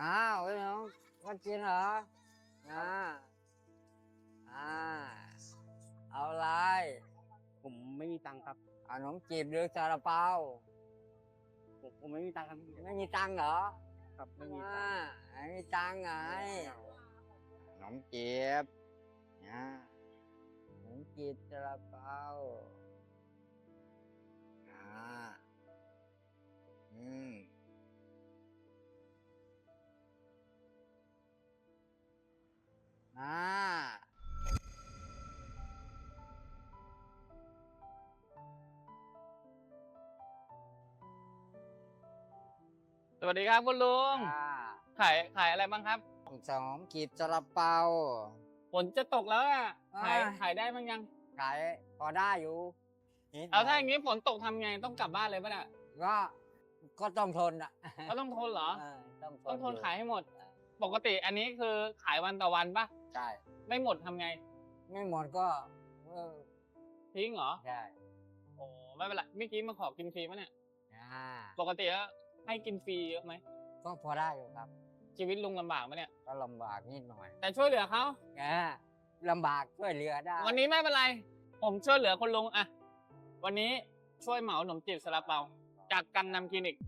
อ้าวไอ้น้องมากินเหรออ่าอ่าเอาอะไรผมไม่มีตังค์ครับขนมจีบหรือซาลาเปาผมไม่มีตังค์ครับไม่มีตังค์เหรอครับไม่มีตังอ่าค์ไม่มีตังค์ไงขนมจีบนะขนมจีบซาลาเปาอ่าอืมอ่าสวัสดีครับคุณลุงอ่าขายอะไรบ้างครับขนมจีบซาลาเปาฝนจะตกแล้วอ่ะอ่าขายได้บ้างยังขายพอได้อยู่นิดหน่เอาถ้าอย่างนี้ฝนตกทำไงต้องกลับบ้านเลยป่ะเนี่ยก็ก็ต้องทนอ่ะก็ต้องทนเหรอเออต้องทนต้องทนยู่ขายให้หมด ปกติอันนี้คือขายวันต่อวันป่ะใช่ไม่หมดทำไงไม่หมดก็อทิ้งเหรอใช่โอ้ไม่เป็นไรเมื่อกี้มาขอกินฟรีป่ะเนี่ยอ่าปกติแล้วให้กินฟรีเยอะไหมก็พอได้อยู่ครับชีวิตลุงลำบากไหมเนี่ยก็ลำบากนิดหน่อยแต่ช่วยเหลือเขาลำบากช่วยเหลือได้วันนี้ไม่เป็นไร ผมช่วยเหลือคุณลุงอะวันนี้ช่วยเหมาขนมจีบซาลาเปาจากกังนำคลินิก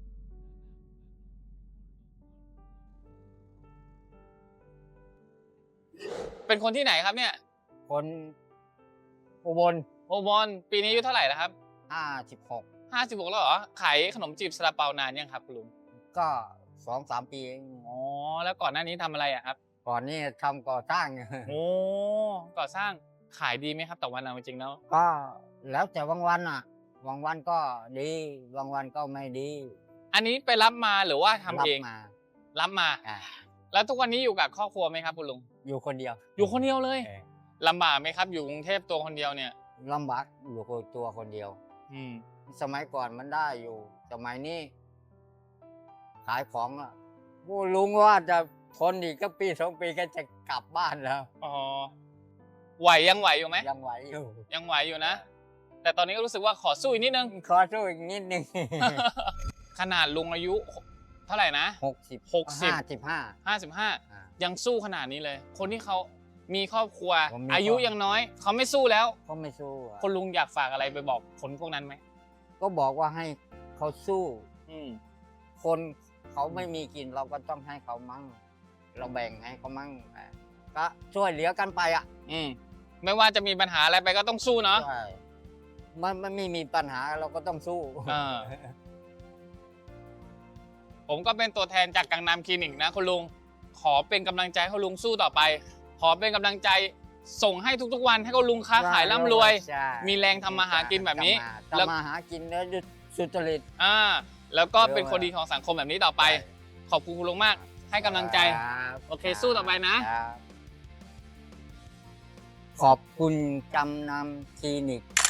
เป็นคนที่ไหนครับเนี่ยคนอุบลโอบอลปีนี้อายุเท่าไหร่แล้วครับ 56 56แล้วเหรอ ขายขนมจีบซาลาเปานานยังครับคุณลุงก็2-3 ปีเองอ๋อ แล้วก่อนหน้านี้ทำอะไรอะครับก่อนนี้ทำก่อสร้าง อยู่โอ้ก่อสร้างขายดีไหมครับต่อวันเอาจริงๆแล้วก็แล้วแต่บางวันอ่ะบางวันก็ดีบางวันก็ไม่ดีอันนี้ไปรับมาหรือว่าทำเองรับมารับมาอ่าแล้วทุกวันนี้อยู่กับครอบครัวไหมครับคุณลุงอยู่คนเดียวอยู่คนเดียวเลยเออลำบากไหมครับ อยู่กรุงเทพตัวคนเดียวเนี่ยลำบากอยู่กับตัวคนเดียวอืมสมัยก่อนมันได้อยู่ สมัยนี้ ขายของอ่ะโอ้ลุงว่าจะทนอีกก็1-2 ปีก็จะกลับบ้านแล้วอ๋อ ยังไหวอยู่ไหมยังไหวอยู่ยังไหวอยู่นะ แต่ตอนนี้ก็รู้สึกว่าขอสู้อีกนิดนึงขอสู้อีกนิดนึงขนาดลุงอายุเท่าไหร่นะ 60 55 55 ยังสู้ขนาดนี้เลย คนที่เขามีครอบครัวผมมีอายุยังน้อย เขาไม่สู้แล้วก็ไม่สู้อะคนลุงอยากฝากอะไรไปบอกคนพวกนั้นไหมก็บอกว่าให้เขาสู้อืมคนเขาไม่มีกินเราก็ต้องให้เขามั่ง เราแบ่งให้เขามั่งก็ช่วยเหลือกันไปอ่ะอืม ไม่ว่าจะมีปัญหาอะไรไปก็ต้องสู้เนาะใช่มันไม่มีปัญหาเราก็ต้องสู้เออ ผมก็เป็นตัวแทนจากกังนำคลินิกนะคุณลุง ขอเป็นกำลังใจให้คุณลุงสู้ต่อไป ขอเป็นกำลังใจส่งให้ทุกๆวันให้คุณลุงค้าขายร่ำรวยใช่มีแรงทำมาหากินแบบนี้ทำมาหากินแล้วสุจริตแล้วก็เป็นคนดีของสังคมแบบนี้ต่อไป ขอบคุณคุณลุงมาก ให้กำลังใจครับโอเคสู้ต่อไปนะครับขอบคุณจำนำคลินิก